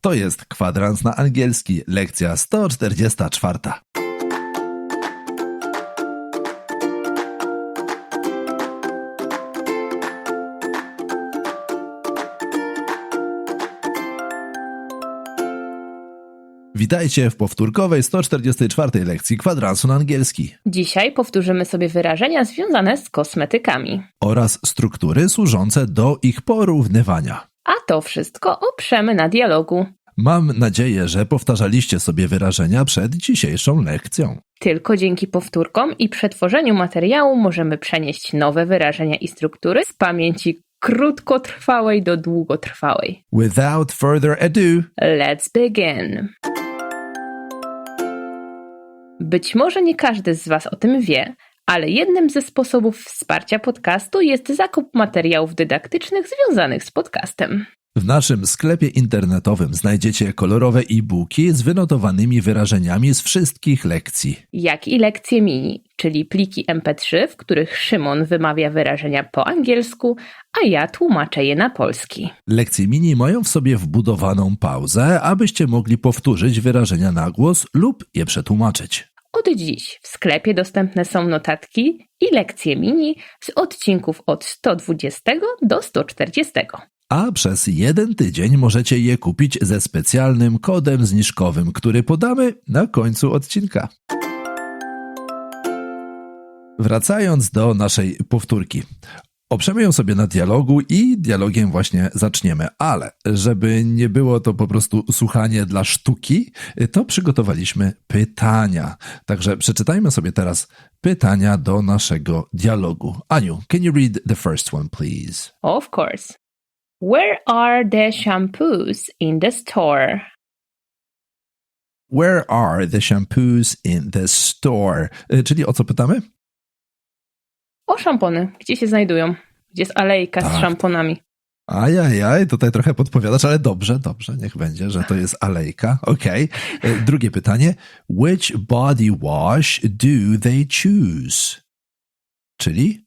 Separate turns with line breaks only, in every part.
To jest Kwadrans na angielski, lekcja 144. Witajcie w powtórkowej 144 lekcji Kwadransu na angielski.
Dzisiaj powtórzymy sobie wyrażenia związane z kosmetykami.
Oraz struktury służące do ich porównywania.
A to wszystko oprzemy na dialogu.
Mam nadzieję, że powtarzaliście sobie wyrażenia przed dzisiejszą lekcją.
Tylko dzięki powtórkom i przetworzeniu materiału możemy przenieść nowe wyrażenia i struktury z pamięci krótkotrwałej do długotrwałej.
Without further ado,
Let's begin. Być może nie każdy z Was o tym wie, ale jednym ze sposobów wsparcia podcastu jest zakup materiałów dydaktycznych związanych z podcastem.
w naszym sklepie internetowym znajdziecie kolorowe e-booki z wynotowanymi wyrażeniami z wszystkich lekcji.
Jak i lekcje mini, czyli pliki MP3, w których Szymon wymawia wyrażenia po angielsku, a ja tłumaczę je na polski.
Lekcje mini mają w sobie wbudowaną pauzę, abyście mogli powtórzyć wyrażenia na głos lub je przetłumaczyć.
Od dziś w sklepie dostępne są notatki i lekcje mini z odcinków od 120 do 140.
A przez 1 tydzień możecie je kupić ze specjalnym kodem zniżkowym, który podamy na końcu odcinka. Wracając do naszej powtórki. Oprzemy ją sobie na dialogu i dialogiem właśnie zaczniemy, ale żeby nie było to po prostu słuchanie dla sztuki, to przygotowaliśmy pytania. Także przeczytajmy sobie teraz pytania do naszego dialogu. Aniu, can you read the first one, please?
Of course. Where are the shampoos in the store?
Where are the shampoos in the store? Czyli o co pytamy?
O szampony. Gdzie się znajdują? Gdzie jest alejka z szamponami?
Ajajaj, tutaj trochę podpowiadasz, ale dobrze, niech będzie, że to jest alejka. Okej. Drugie pytanie. Which body wash do they choose? Czyli?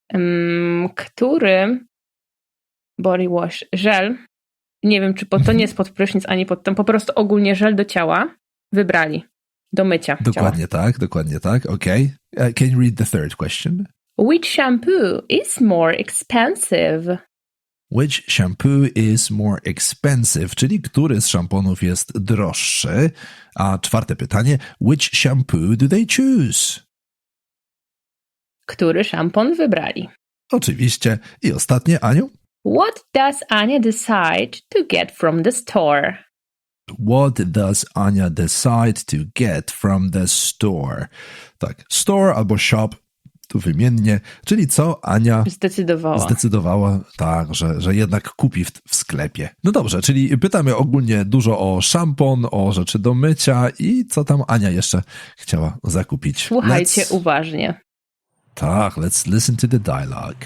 Który body wash, żel, nie wiem, czy to nie jest pod prysznic, ani pod ten, po prostu ogólnie żel do ciała wybrali do mycia
Dokładnie tak. Okej. Can you read the third question?
Which shampoo is more expensive?
Which shampoo is more expensive? Czyli który z szamponów jest droższy? A czwarte pytanie. Which shampoo do they choose?
Który szampon wybrali?
Oczywiście. I ostatnie, Aniu?
What does Ania decide to get from the store?
What does Ania decide to get from the store? Tak, store albo shop, tu wymiennie, czyli co Ania zdecydowała, tak, że jednak kupi w sklepie. No dobrze, czyli pytamy ogólnie dużo o szampon, o rzeczy do mycia i co tam Ania jeszcze chciała zakupić.
Słuchajcie uważnie.
Tak, let's listen to the dialogue.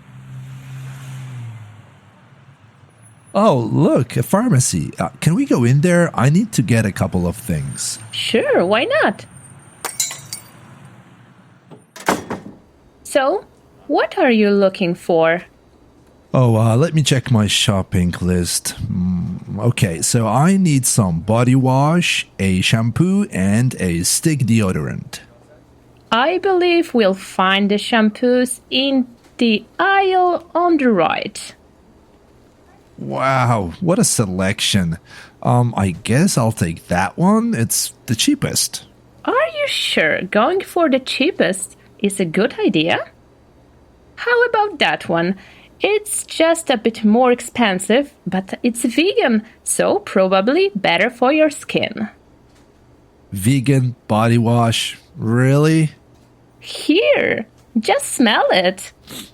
Oh, look, a pharmacy. Can we go in there? I need to get a couple of things.
Sure, why not? So, what are you looking for?
Oh, let me check my shopping list. Okay, so I need some body wash, a shampoo, and a stick deodorant.
I believe we'll find the shampoos in the aisle on the right.
Wow, what a selection. I guess I'll take that one. It's the cheapest.
Are you sure going for the cheapest is a good idea? How about that one? It's just a bit more expensive, but it's vegan, so probably better for your skin.
Vegan body wash? Really?
Here, just smell it.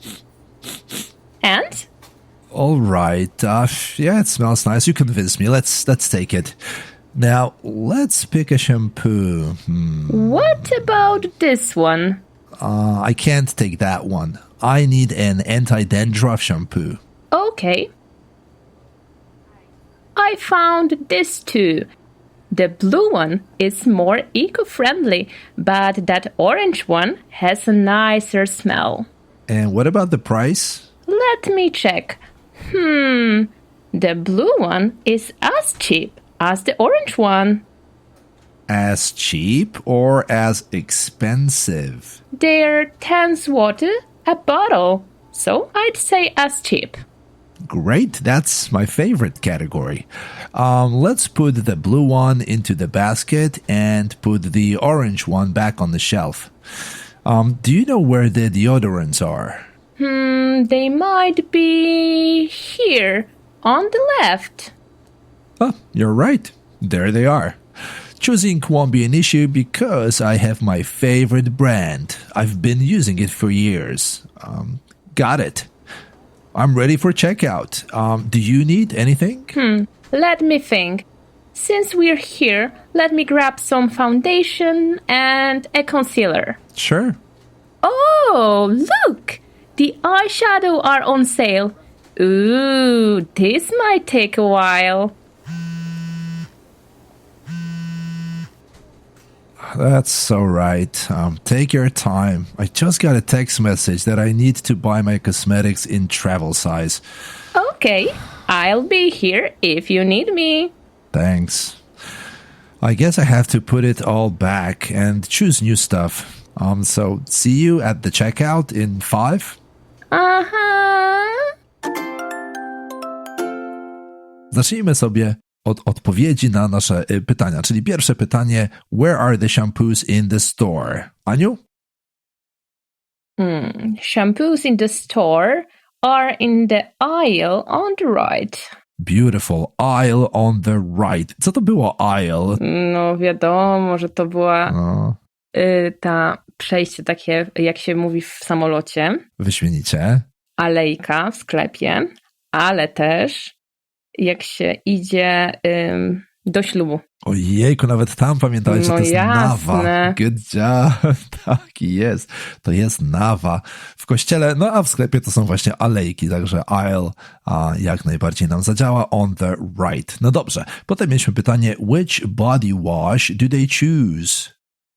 And?
All right. Yeah, it smells nice. You convinced me. Let's take it. Now, let's pick a shampoo.
What about this one?
I can't take that one. I need an anti-dandruff shampoo.
Okay. I found this too. The blue one is more eco-friendly, but that orange one has a nicer smell.
And what about the price?
Let me check. The blue one is as cheap as the orange one.
As cheap or as expensive?
They're 10 zloty a bottle, so I'd say as cheap.
Great, that's my favorite category. Let's put the blue one into the basket and put the orange one back on the shelf. Do you know where the deodorants are?
They might be here, on the left.
Oh, you're right. There they are. Choosing won't be an issue because I have my favorite brand. I've been using it for years. Got it. I'm ready for checkout. Do you need anything?
Let me think. Since we're here, let me grab some foundation and a concealer.
Sure.
Oh, look! The eyeshadow are on sale. Ooh, this might take a while.
That's so right. Take your time. I just got a text message that I need to buy my cosmetics in travel size.
Okay, I'll be here if you need me.
Thanks. I guess I have to put it all back and choose new stuff. So see you at the checkout in 5. Zacznijmy sobie od odpowiedzi na nasze pytania. Czyli pierwsze pytanie, where are the shampoos in the store? Aniu?
Shampoos in the store are in the aisle on the right.
Beautiful. Aisle on the right. Co to było aisle?
No wiadomo, że to była ta przejście takie, jak się mówi w samolocie.
Wyśmienicie.
Alejka w sklepie, ale też jak się idzie do ślubu.
Ojejku, nawet tam pamiętałeś, że to jest nawa. Good job. Tak jest. To jest nawa. W kościele, no a w sklepie to są właśnie alejki, także aisle jak najbardziej nam zadziała. On the right. No dobrze. Potem mieliśmy pytanie, which body wash do they choose?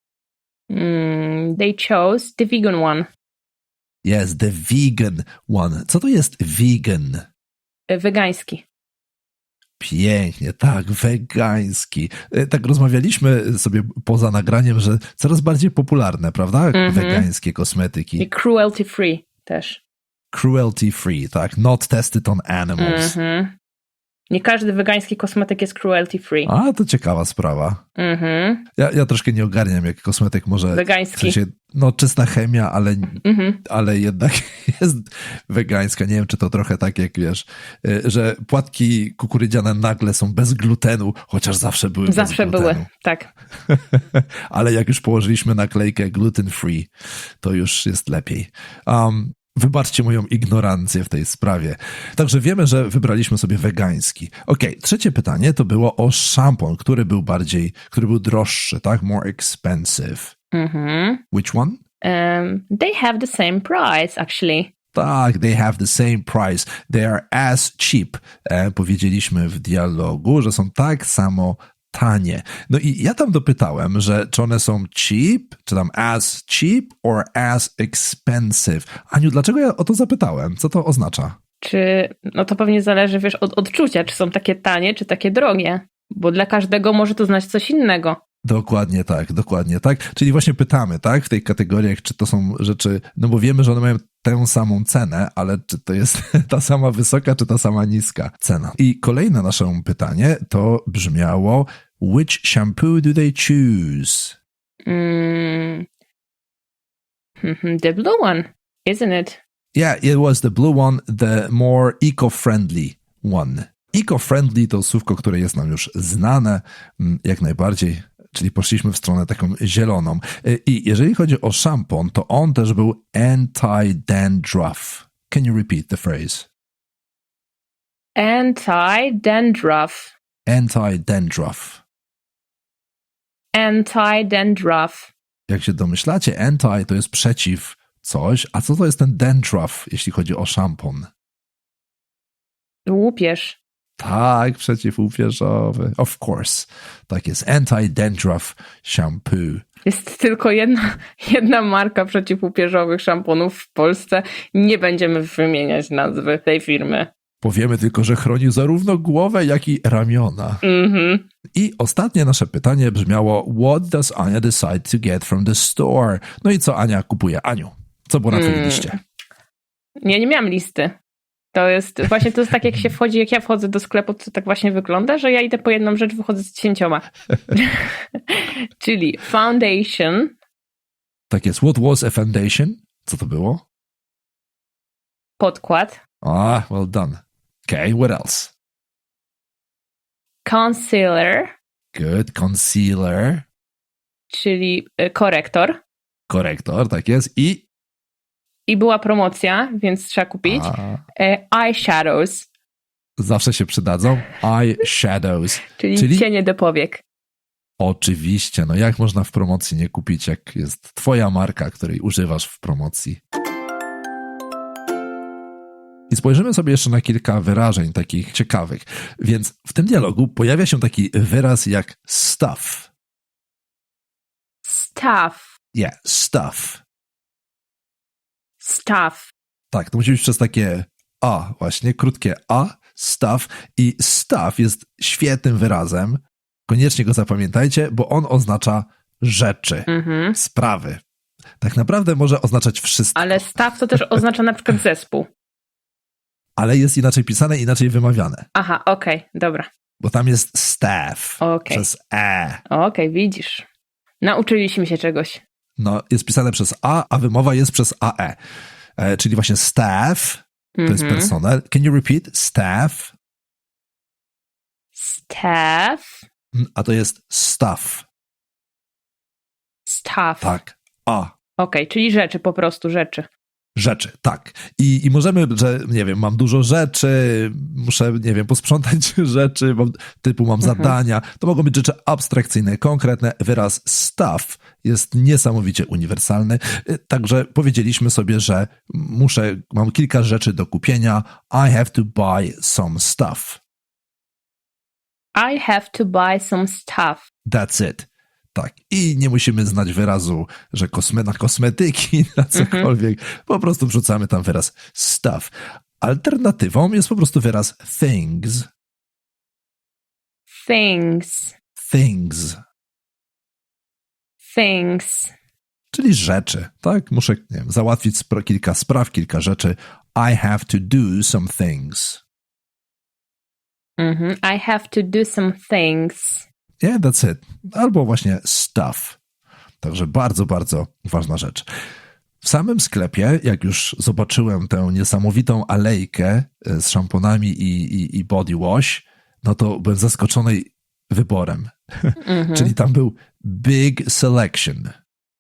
They chose the vegan one.
Yes, the vegan one. Co to jest vegan?
Wegański.
Pięknie, tak, wegański. Tak rozmawialiśmy sobie poza nagraniem, że coraz bardziej popularne, prawda? Wegańskie kosmetyki.
I cruelty free też.
Cruelty free, tak. Not tested on animals.
Nie każdy wegański kosmetyk jest cruelty free.
A, to ciekawa sprawa. Ja troszkę nie ogarniam, jak kosmetyk może...
Wegański.
W sensie, no, czysta chemia, ale jednak jest wegańska. Nie wiem, czy to trochę tak, jak wiesz, że płatki kukurydziane nagle są bez glutenu, chociaż zawsze były bez glutenu.
Zawsze były, tak.
Ale jak już położyliśmy naklejkę gluten free, to już jest lepiej. Wybaczcie moją ignorancję w tej sprawie. Także wiemy, że wybraliśmy sobie wegański. Okej, trzecie pytanie to było o szampon, który był droższy, tak? More expensive. Which one?
They have the same price, actually.
Tak, they have the same price. They are as cheap. Powiedzieliśmy w dialogu, że są tak samo tanie. No i ja tam dopytałem, że czy one są cheap, czy tam as cheap or as expensive. Aniu, dlaczego ja o to zapytałem? Co to oznacza?
No to pewnie zależy, wiesz, od odczucia, czy są takie tanie, czy takie drogie. Bo dla każdego może to znaczyć coś innego.
Dokładnie tak. Czyli właśnie pytamy, tak, w tej kategoriach, czy to są rzeczy, no bo wiemy, że one mają tę samą cenę, ale czy to jest ta sama wysoka, czy ta sama niska cena. I kolejne nasze pytanie to brzmiało, which shampoo do they choose?
The blue one, isn't it?
Yeah, it was the blue one, the more eco-friendly one. Eco-friendly to słówko, które jest nam już znane, jak najbardziej, czyli poszliśmy w stronę taką zieloną. I jeżeli chodzi o szampon, to on też był anti-dandruff. Can you repeat the phrase?
Anti-dandruff.
Anti-dandruff.
Anti-dandruff.
Jak się domyślacie, anti to jest przeciw coś, a co to jest ten dandruff, jeśli chodzi o szampon?
Łupież.
Tak, przeciwłupieżowy. Of course. Tak jest. Anti-dandruff shampoo.
Jest tylko jedna marka przeciwłupieżowych szamponów w Polsce. Nie będziemy wymieniać nazwy tej firmy.
Powiemy tylko, że chroni zarówno głowę, jak i ramiona. I ostatnie nasze pytanie brzmiało: What does Ania decide to get from the store? No i co Ania kupuje? Aniu, co było na twojej liście?
Ja nie miałam listy. To jest tak, jak się wchodzi, jak ja wchodzę do sklepu, to tak właśnie wygląda, że ja idę po jedną rzecz, wychodzę z 10. Czyli foundation.
Tak jest. What was a foundation? Co to było?
Podkład.
Well done. Okay, what else?
Concealer.
Good. Concealer.
Czyli korektor.
Korektor, tak jest.
I była promocja, więc trzeba kupić. Eyeshadows.
Zawsze się przydadzą. Eyeshadows.
Czyli cienie do powiek.
Oczywiście. No jak można w promocji nie kupić, jak jest twoja marka, której używasz w promocji? I spojrzymy sobie jeszcze na kilka wyrażeń takich ciekawych. Więc w tym dialogu pojawia się taki wyraz jak stuff.
Stuff.
Yeah, stuff.
Stuff.
Tak, to musi być przez takie A, właśnie, krótkie A, stuff. I stuff jest świetnym wyrazem. Koniecznie go zapamiętajcie, bo on oznacza rzeczy, sprawy. Tak naprawdę może oznaczać wszystko.
Ale stuff to też oznacza na przykład zespół.
Ale jest inaczej pisane, inaczej wymawiane.
Aha, okej, dobra.
Bo tam jest staff przez E.
Okej, widzisz. Nauczyliśmy się czegoś.
No, jest pisane przez a wymowa jest przez AE. Czyli właśnie staff, to jest personel. Can you repeat? Staff.
Staff.
A to jest stuff.
Stuff.
Tak,
Okej, czyli rzeczy, po prostu rzeczy.
Rzeczy, tak. I możemy, że nie wiem, mam dużo rzeczy, muszę, nie wiem, posprzątać rzeczy, mam zadania. To mogą być rzeczy abstrakcyjne, konkretne. Wyraz stuff jest niesamowicie uniwersalny. Także powiedzieliśmy sobie, że mam kilka rzeczy do kupienia. I have to buy some stuff.
I have to buy some stuff.
That's it. Tak. I nie musimy znać wyrazu, że na kosmetyki, na cokolwiek. Po prostu wrzucamy tam wyraz stuff. Alternatywą jest po prostu wyraz things.
Things.
Things.
Things.
Czyli rzeczy, tak? Muszę, nie wiem, załatwić kilka spraw, kilka rzeczy. I have to do some things.
I have to do some things.
Yeah, that's it. Albo właśnie stuff. Także bardzo, bardzo ważna rzecz. W samym sklepie, jak już zobaczyłem tę niesamowitą alejkę z szamponami i body wash, no to byłem zaskoczony wyborem. Czyli tam był big selection.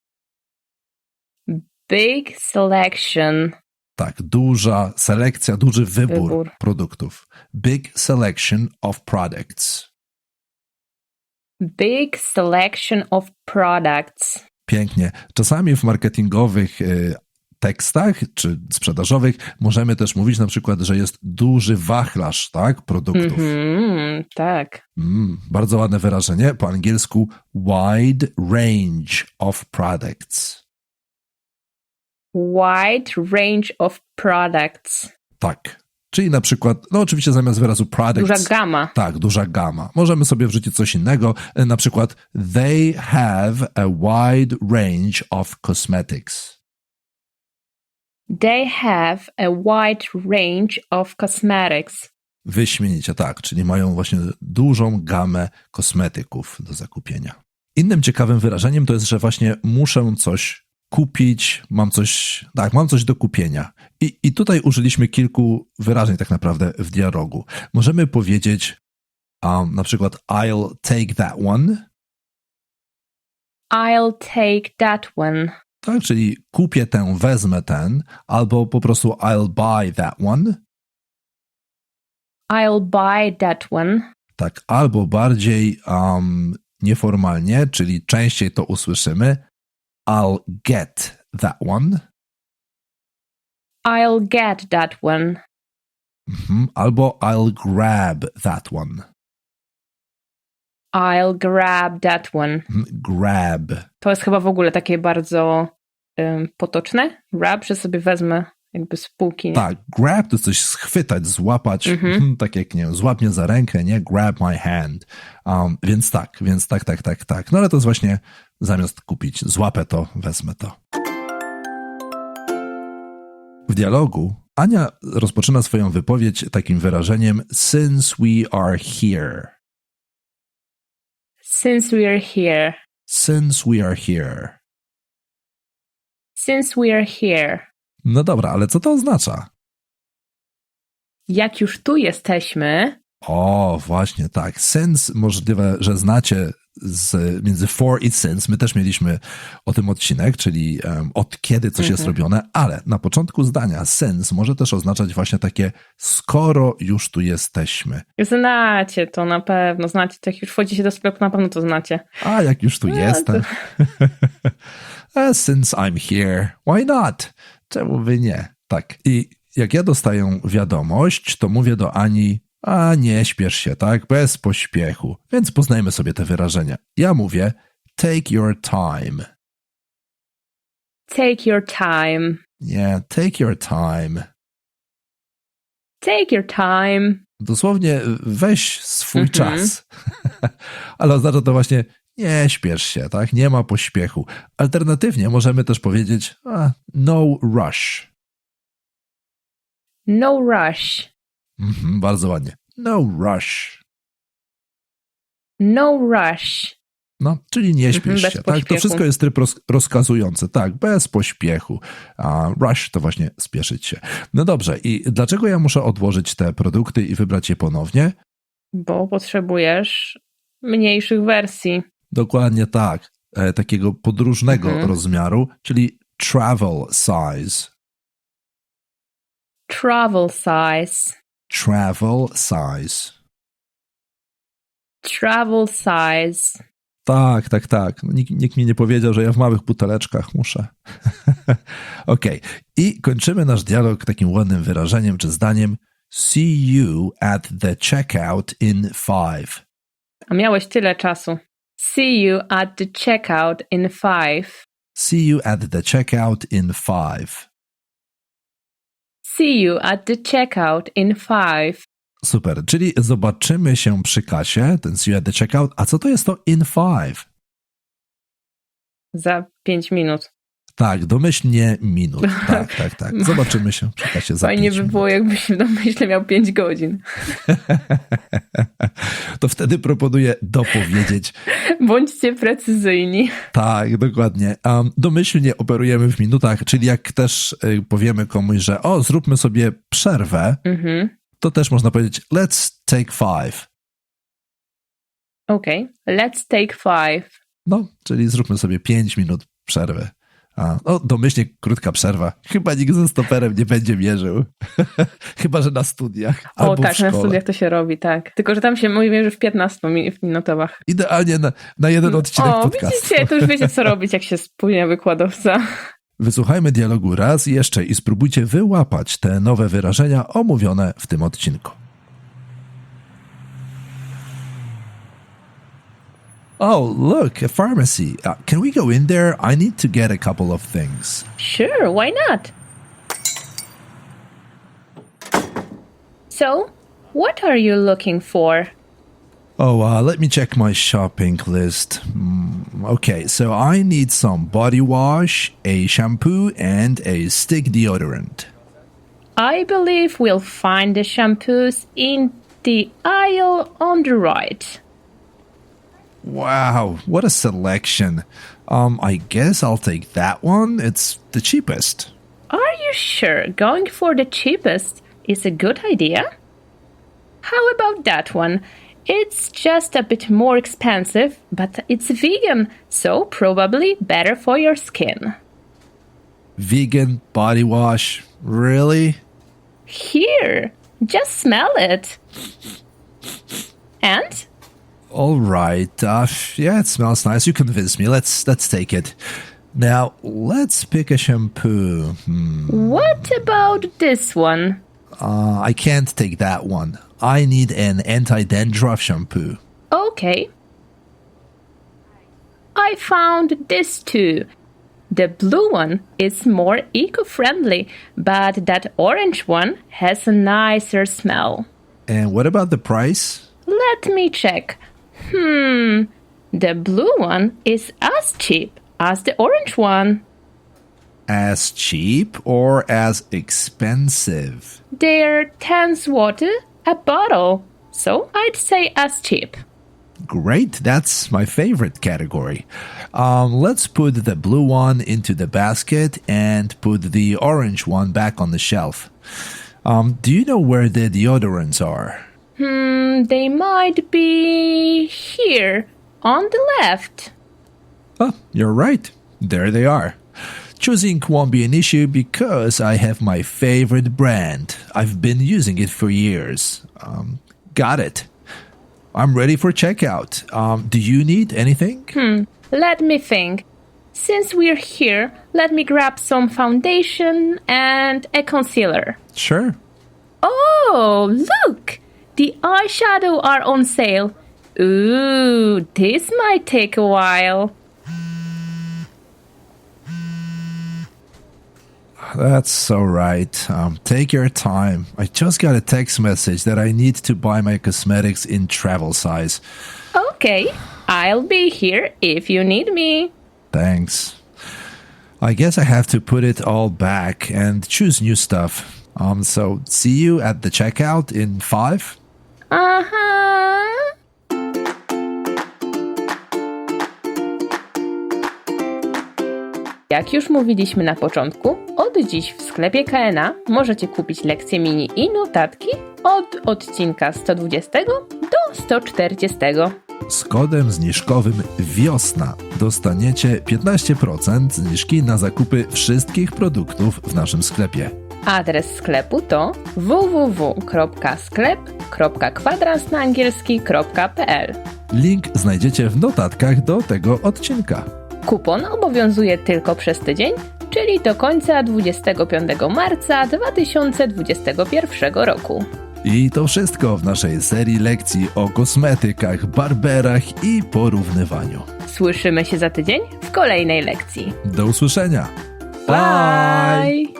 Big selection.
Tak, duża selekcja, duży wybór produktów. Big selection of products.
Big selection of products.
Pięknie. Czasami w marketingowych tekstach czy sprzedażowych możemy też mówić na przykład, że jest duży wachlarz, tak, produktów.
Tak.
Bardzo ładne wyrażenie. Po angielsku wide range of products.
Wide range of products.
Tak. Czyli na przykład, no oczywiście zamiast wyrazu products...
Duża gama.
Tak, duża gama. Możemy sobie wrzucić coś innego. Na przykład they have a wide range of cosmetics.
They have a wide range of cosmetics.
Wyśmienicie, tak. Czyli mają właśnie dużą gamę kosmetyków do zakupienia. Innym ciekawym wyrażeniem to jest, że właśnie muszę coś kupić, mam coś do kupienia. I tutaj użyliśmy kilku wyrażeń tak naprawdę w dialogu. Możemy powiedzieć na przykład I'll take that one.
I'll take that one.
Tak, czyli kupię ten, wezmę ten, albo po prostu I'll buy that one.
I'll buy that one.
Tak, albo bardziej nieformalnie, czyli częściej to usłyszymy I'll get that one.
I'll get that one.
Albo I'll grab that one.
I'll grab that one.
Grab.
To jest chyba w ogóle takie bardzo potoczne. Grab, że sobie wezmę jakby z półki. Nie?
Tak, grab to coś schwytać, złapać, tak jak, nie wiem, złap mnie za rękę, nie? Grab my hand. Więc tak. No ale to jest właśnie zamiast kupić, złapę to, wezmę to. W dialogu Ania rozpoczyna swoją wypowiedź takim wyrażeniem since we are here.
Since we are here.
Since we are here.
Since we are here.
No dobra, ale co to oznacza?
Jak już tu jesteśmy...
O, właśnie tak. Since możliwe, że znacie między for i since. My też mieliśmy o tym odcinek, czyli od kiedy coś jest robione, ale na początku zdania since może też oznaczać właśnie takie skoro już tu jesteśmy.
Znacie to na pewno, znacie to. Jak już wchodzicie do sklepu, na pewno to znacie.
A jak już tu jestem. Since I'm here, why not? Czemu by nie? Tak. I jak ja dostaję wiadomość, to mówię do Ani, a nie śpiesz się, tak? Bez pośpiechu. Więc poznajmy sobie te wyrażenia. Ja mówię take your time.
Take your time.
Nie, take your time.
Take your time.
Dosłownie weź swój czas. Ale oznacza to właśnie nie śpiesz się, tak? Nie ma pośpiechu. Alternatywnie możemy też powiedzieć no rush.
No rush.
Bardzo ładnie. No rush.
No rush.
No, czyli nie śpiesz się, tak? To wszystko jest tryb rozkazujący, tak, bez pośpiechu. A rush to właśnie spieszyć się. No dobrze, i dlaczego ja muszę odłożyć te produkty i wybrać je ponownie?
Bo potrzebujesz mniejszych wersji.
Dokładnie tak. Takiego podróżnego rozmiaru, czyli travel size.
Travel size.
Travel size.
Travel size.
Tak. No, nikt mi nie powiedział, że ja w małych buteleczkach muszę. Okej. I kończymy nasz dialog takim ładnym wyrażeniem czy zdaniem see you at the checkout in 5.
A miałeś tyle czasu. See you at the checkout in 5.
See you at the checkout in 5.
See you at the checkout in 5.
Super, czyli zobaczymy się przy kasie, ten see you at the checkout. A co to jest to in 5?
Za 5 minut.
Tak, domyślnie minut. Tak. Zobaczymy się przy kasie za 5 minut.
Fajnie by było, jakbyś w domyśle miał 5 godzin.
To wtedy proponuję dopowiedzieć.
Bądźcie precyzyjni.
Tak, dokładnie. Domyślnie operujemy w minutach, czyli jak też powiemy komuś, że zróbmy sobie przerwę, to też można powiedzieć let's take 5.
Okej, let's take 5.
No, czyli zróbmy sobie 5 minut przerwy. Domyślnie krótka przerwa. Chyba nikt ze stoperem nie będzie mierzył. Chyba, że na studiach. Albo
tak,
w szkole.
na studiach to się robi, tak. Tylko, że tam się mierzy w 15 minutowach.
Idealnie na jeden odcinek podcastu.
Widzicie, to już wiecie, co robić, jak się spóźnia wykładowca.
Wysłuchajmy dialogu raz jeszcze i spróbujcie wyłapać te nowe wyrażenia omówione w tym odcinku. Oh, look, a pharmacy. Can we go in there? I need to get a couple of things.
Sure, why not? So, what are you looking for?
Let me check my shopping list. Okay, so I need some body wash, a shampoo, and a stick deodorant.
I believe we'll find the shampoos in the aisle on the right.
Wow, what a selection. I guess I'll take that one. It's the cheapest.
Are you sure going for the cheapest is a good idea? How about that one? It's just a bit more expensive, but it's vegan, so probably better for your skin.
Vegan body wash? Really?
Here, just smell it. And?
All right. Yeah, it smells nice. You convinced me. Let's take it. Now, let's pick a shampoo.
What about this one?
I can't take that one. I need an anti-dandruff shampoo.
Okay. I found this too. The blue one is more eco-friendly, but that orange one has a nicer smell.
And what about the price?
Let me check. The blue one is as cheap as the orange one.
As cheap or as expensive?
They're 10 zloty a bottle, so I'd say as cheap.
Great, that's my favorite category. Let's put the blue one into the basket and put the orange one back on the shelf. Do you know where the deodorants are?
They might be here, on the left.
Oh, you're right. There they are. Choosing won't be an issue because I have my favorite brand. I've been using it for years. Got it. I'm ready for checkout. Do you need anything?
Let me think. Since we're here, let me grab some foundation and a concealer.
Sure.
Oh, look! The eyeshadow are on sale. Ooh, this might take a while.
That's so right. Take your time. I just got a text message that I need to buy my cosmetics in travel size.
Okay, I'll be here if you need me.
Thanks. I guess I have to put it all back and choose new stuff. So see you at the checkout in 5?
Jak już mówiliśmy na początku, od dziś w sklepie KNA możecie kupić lekcje mini i notatki od odcinka 120 do 140.
Z kodem zniżkowym WIOSNA dostaniecie 15% zniżki na zakupy wszystkich produktów w naszym sklepie.
Adres sklepu to www.sklep.kwadransnaangielski.pl.
Link znajdziecie w notatkach do tego odcinka.
Kupon obowiązuje tylko przez tydzień, czyli do końca 25 marca 2021 roku.
I to wszystko w naszej serii lekcji o kosmetykach, barberach i porównywaniu.
Słyszymy się za tydzień w kolejnej lekcji.
Do usłyszenia.
Bye!